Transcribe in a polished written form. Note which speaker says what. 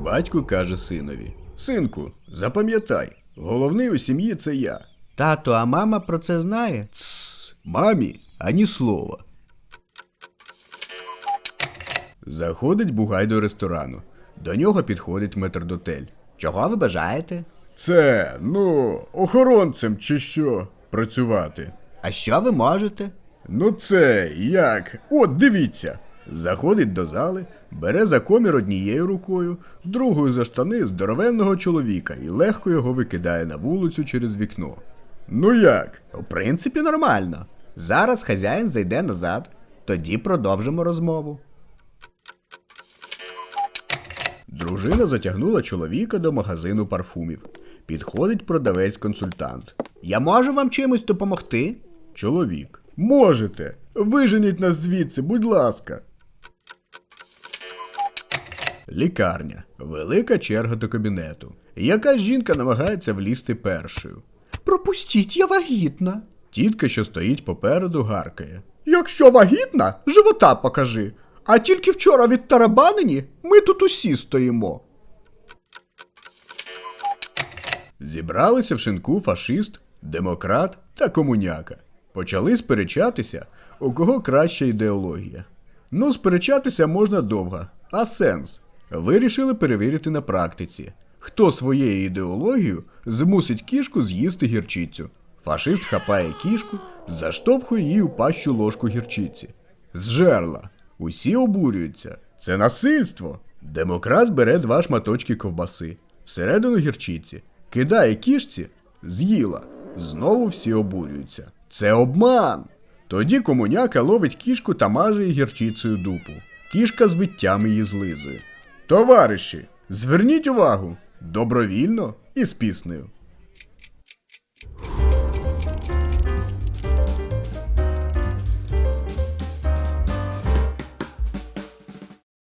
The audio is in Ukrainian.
Speaker 1: Батько каже синові: «Синку, запам'ятай, головний у сім'ї – це я».
Speaker 2: Тато, а мама про це знає?
Speaker 1: Тсс, мамі ані слова. Заходить Бугай до ресторану. До нього підходить метрдотель.
Speaker 2: Чого ви бажаєте?
Speaker 1: Це, охоронцем чи що, працювати.
Speaker 2: А що ви можете?
Speaker 1: Це як? От, дивіться. Заходить до зали, бере за комір однією рукою, другою за штани здоровенного чоловіка і легко його викидає на вулицю через вікно. Ну як?
Speaker 2: У принципі, нормально. Зараз хазяїн зайде назад, тоді продовжимо розмову.
Speaker 1: Дружина затягнула чоловіка до магазину парфумів. Підходить продавець-консультант.
Speaker 2: Я можу вам чимось допомогти?
Speaker 1: Чоловік. Можете. Виженіть нас звідси, будь ласка. Лікарня. Велика черга до кабінету. Якась жінка намагається влізти першою.
Speaker 2: Пропустіть, я вагітна.
Speaker 1: Тітка, що стоїть попереду, гаркає.
Speaker 2: Якщо вагітна, живота покажи. А тільки вчора відтарабанені, ми тут усі стоїмо.
Speaker 1: Зібралися в шинку фашист, демократ та комуняка. Почали сперечатися, у кого краща ідеологія. Сперечатися можна довго, а сенс? Вирішили перевірити на практиці. Хто своєю ідеологією змусить кішку з'їсти гірчицю. Фашист хапає кішку, заштовхує їй у пащу ложку гірчиці. З жерла. Усі обурюються. Це насильство. Демократ бере 2 шматочки ковбаси. Всередину гірчиці. Кидає кішці. З'їла. Знову всі обурюються. Це обман. Тоді комуняка ловить кішку та маже їй гірчицею дупу. Кішка з виттям її злизує. Товариші, зверніть увагу. Добровільно і з піснею.